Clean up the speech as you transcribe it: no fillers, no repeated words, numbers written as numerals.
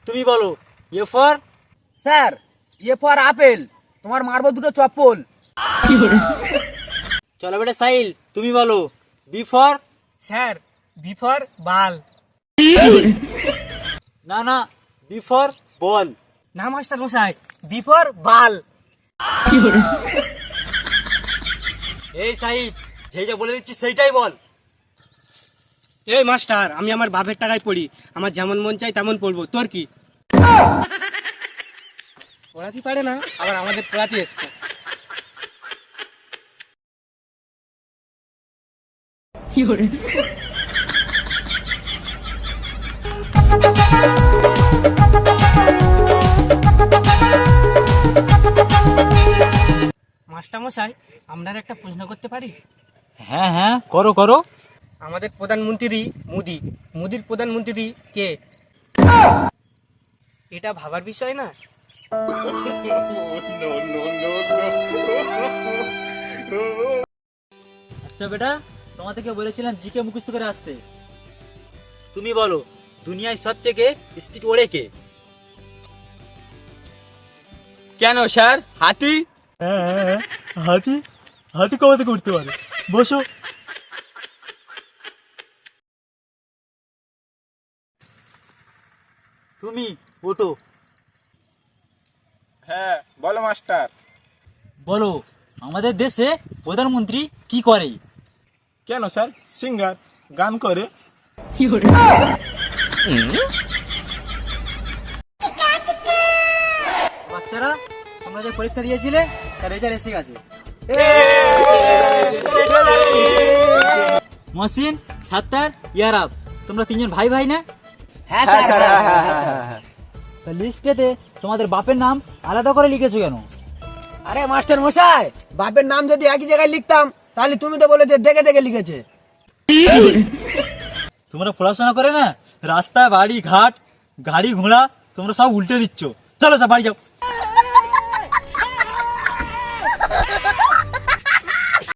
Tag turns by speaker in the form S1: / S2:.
S1: তুমি বলো। A for?
S2: Sir A for apple, তোমার মারবো দুটো চপ্পল।
S1: চলো বেটা সাইল, তুমি বলো। B for?
S2: Sir B for বাল।
S1: না না, বি ফর বল।
S2: না মাস্টার মশাই, বি ফর বাল।
S1: এই সাইদ, যেটা বলে দিচ্ছি সেইটাই বল।
S2: এই মাস্টার, আমি আমার বাপের টাকায় পড়ি, আমার যেমন মন চাই তেমন পড়বো, তোর কি? পড়াতে পারে না, আবার আমাদের পড়াতে এসছে। মাস্টার মশাই, আপনার একটা প্রশ্ন করতে পারি?
S1: হ্যাঁ হ্যাঁ, করো করো।
S2: আমাদের প্রধানমন্ত্রী মোদি, মোদির প্রধানমন্ত্রী কে? এটা ভাবার বিষয় না?
S1: আচ্ছা বেটা, তোমাদেরকে বলেছিলাম জিকে মুখস্থ করে আসতে। তুমি বলো, দুনিয়ায় সবথেকে স্পিড ওড়ে কে?
S2: কেন স্যার, হাতি?
S1: হ্যাঁ, হাতি। হাতি কবে থেকে উঠতে পারে? বসো। তুমি ওঠো।
S3: হ্যাঁ বলো মাস্টার।
S1: বলো, আমাদের দেশে প্রধানমন্ত্রী কি করে?
S3: কেন স্যার, সিঙ্গার, গান করে।
S1: বাচ্চারা, তোমরা যে পরীক্ষা দিয়েছিলে তার রেজাল্ট এসে গেছে। মহসিন, সাত্তার, ইয়ারাব, তোমরা তিনজন ভাই ভাই না?
S2: হ্যাঁ
S1: তা লিস্টেতে তোমাদের বাপের নাম আলাদা করে লিখেছো কেন?
S2: আরে মাস্টার মশাই, বাপের নাম যদি একই জায়গায় লিখতাম তাহলে তুমি তো বলে যে দেখে দেখে লিখেছে।
S1: তোমরা পড়াশোনা করে না, রাস্তা বাড়ি ঘাট গাড়ি ঘোড়া তোমরা সব উল্টে দিচ্ছ। চলো সব বাড়ি যাও।